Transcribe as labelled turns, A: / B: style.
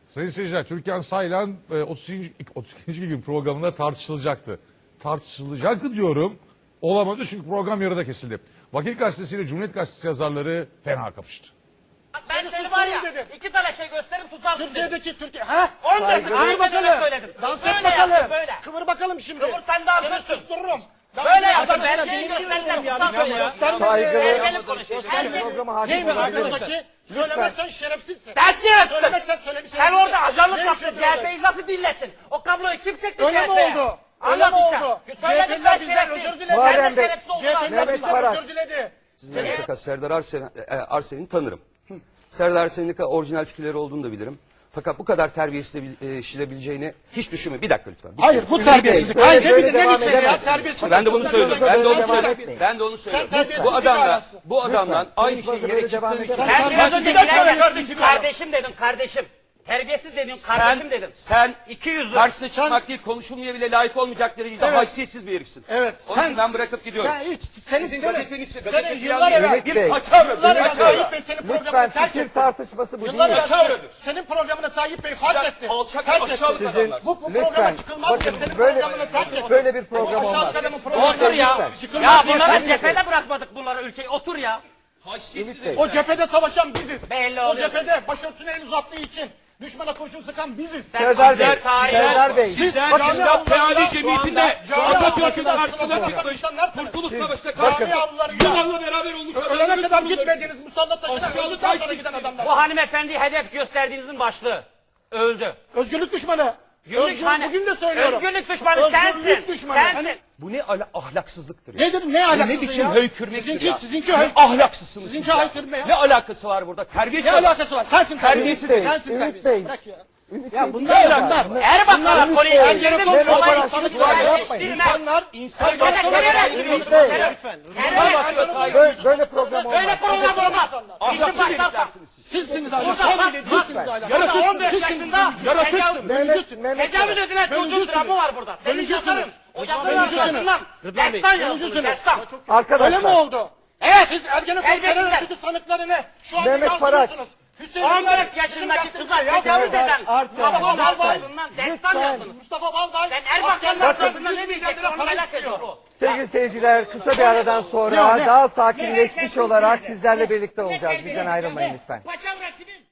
A: Sayın seyirciler, Türkan Saylan 32. gün programında tartışılacaktı. Tartışılacaktı diyorum. Olamadı çünkü program yarıda kesildi. Vakit Gazetesi ile Cumhuriyet Gazetesi yazarları fena kapıştı.
B: Ben seni var ya, iki tane şey gösterip susarsın dedim.
C: Türkiye'deki Türkiye. Ha?
B: 14
C: Kıvır bakalım.
B: söyledim.
C: Dans
B: Böyle
C: et bakalım.
B: yap, böyle.
C: Kıvır bakalım şimdi.
B: Kıvır, sen de
C: Seni
B: haklısın.
C: sustururum.
B: Böyle yaptım.
C: Arkadaşlar,
B: Belgeyi
C: benim
B: göstereceğim.
C: ya.
B: Susar söyle ya. Belgeyle konuşayım.
C: Neymiş arkadaki? Söylemezsen şerefsizsin.
B: Sen şerefsiz.
C: Söylemezsen şerefsizsin.
B: Sen orada ajanlık
C: Neymiş
B: yaptın.
C: öyle?
B: CHP'yi nasıl dinlettin? O kabloyu kim çekti
C: Öyle mi
B: CHP'ye?
C: oldu?
B: Öyle mi
C: Anlat
B: oldu?
C: işte.
B: Söyledim ben
C: CHP'liler bizden
B: şerefsiz.
C: özür diledi.
B: Sen de şerefsiz oldun.
C: CHP'liler bizden özür diledi.
D: Fakat Serdar Arsen'i tanırım. Serdar Arsen'in orijinal fikirleri olduğunu da bilirim. Fakat bu kadar terbiyesizleşilebileceğini hiç düşünme. Bir dakika lütfen.
C: Hayır bu terbiyesizlik. Hayır ne bilir ne biçim ya terbiyesizlik.
D: Ben de bunu söylüyorum. Ben de onu söylüyorum. Ben de onu
C: Sen
D: söylüyorum.
C: terbiyesizlik
D: Bu adamdan aynı şeyi yere çıktığın için.
B: Ben biraz önce gördüm. Kardeşim dedim kardeşim. Terbiyesiz dedim kardeşim dedim.
D: Sen
B: 200
D: karşısına çıkmak değil, konuşulmaya bile layık olmayacak derecede
C: Evet.
D: haysiyetsiz bir herifsin.
C: Evet.
D: Onun için ben bırakıp gidiyorum.
C: Sen hiç
D: Sizin gazetenin ismi
C: senin
D: gazete
C: yıllar
D: filan
C: evvel
D: değil.
E: Bey.
D: Bir paçavra.
C: Yıllar
D: Bir
C: evvel
D: paçavra.
C: Tayyip Bey senin
E: Lütfen
C: programını terk
E: fikir
C: etti.
E: tartışması bu değil.
C: Yıllar evvel
D: Paçavradır.
C: senin programını Tayyip Bey
D: Sizler
C: fark etti.
D: alçak
C: Terk
D: ve aşağılık
C: etti.
D: adamlar.
C: Bu
E: Lütfen.
C: programa çıkılmaz
E: Bakın,
C: diye senin
E: böyle-
C: programını terk etti.
E: böyle bir program
C: Bu aşağılık
E: olmaz.
C: adamın programını
B: Otur ya.
E: Lütfen.
C: çıkılmaz
B: Ya
C: diye
B: bunları
C: terk etti.
B: cephede bırakmadık bunları ülkeyi. Otur ya.
D: Haysiyetsiz
E: Bey.
D: herif.
C: O cephede savaşan biziz.
B: Belli
C: O
B: oluyor.
C: cephede başörtüsüne el uzattığı için düşmana kurşun sıkan biziz.
E: Serdar Bey,
B: Sizler-
E: Serdar Bey.
D: Sizler
C: Cami
D: İslam
C: avlularında
D: Teali
C: şu
D: Cemiyeti'nde
C: anda-
D: Atatürk'ün
C: Cami
D: karşısına
C: avlularında
D: çıkmış.
C: çalışanlarsınız.
D: Kurtuluş Savaşı'nda
C: Cami
D: karşısına
C: avlularında
D: Yunan'la beraber olmuş
C: ölene
D: adamların
C: kadar
D: kurulları.
C: gitmediğiniz musallat taşına
D: Aşağılık
C: öldükten sonra
D: haysiyetsiz.
C: giden adamlar.
B: Bu hanımefendi hedef gösterdiğinizin başlığı. Öldü.
C: Özgürlük düşmanı. Bugün de söylüyorum.
B: Özgürlük düşmanı
C: Özgürlük
B: sensin.
C: düşmanı.
B: Sensin.
D: Bu ne ahlaksızlıktır ya.
C: Ne dedim ne ahlaksızlığı
D: Ne biçim
C: ya?
D: höykürmektir ya.
C: Sizinki
D: Ne
C: höykürme.
D: ahlaksızsınız
C: Sizinki
D: siz ya.
C: haykırma ya.
D: Ne alakası var burada? Terbiyesiz.
C: Ne alakası var? Sensin terbiyesiz.
E: Bey,
C: Sensin
E: Ümit
C: terbiyesiz.
E: Bey.
C: Bırak ya.
E: Ümit
C: Ya
E: Bey,
C: bunlar
E: değil
C: bunlar.
E: ya.
B: Erbakan'a
E: Ümit
B: konuyu
E: Bey,
B: ergenekon
E: Mehmet
B: kolay
E: Barak,
B: işini
E: lütfen yapmayın.
B: değiştirme.
C: İnsanlar
D: İnsanlar
E: Böyle program olmaz.
B: Böyle program olmaz. İşin
D: ahlaksız
B: başlarsa.
D: heriflersiniz siz.
C: sizsiniz
B: Burada
C: ahlak.
B: bak,
C: Sizsiniz ahlak.
B: Burada 14 yaşında
E: Mehmet
B: tecavüz edilen çocuğun
C: Bölücüsünüz.
B: dramı var burada. Senin
C: Bölücüsünüz.
B: yazarın. O yazarın
C: Bölücüsünüz.
B: arkasından destan yazılmış.
C: Bölücüsünüz.
B: Destan.
C: Öyle mi
E: Arkadaşlar,
C: oldu?
B: Evet.
C: Siz Ergenekon
B: Terbiyesizler.
C: terör örgütü sanıklarını şu anda
E: Mehmet Faraç.
C: yazdırıyorsunuz. Hüseyin
B: 14 yaşındaki kıza tecavüz eden
E: Arsen,
B: Mustafa
C: lütfen.
B: Balbay'ından destan
E: Lütfen.
B: yazdınız.
C: Mustafa Balday.
B: Sen Erbakan'ın
C: askerlerden
B: arkasından
C: 100
B: ne
C: bin
B: diyeceksin
C: lira
B: onu
C: para
B: merak ediyor
C: istiyor.
B: o.
E: sevgili seyirciler, kısa bir aradan sonra
C: Ne?
E: daha sakinleşmiş olarak sizlerle birlikte olacağız. Bizden ayrılmayın lütfen.
B: Paçavra kimin?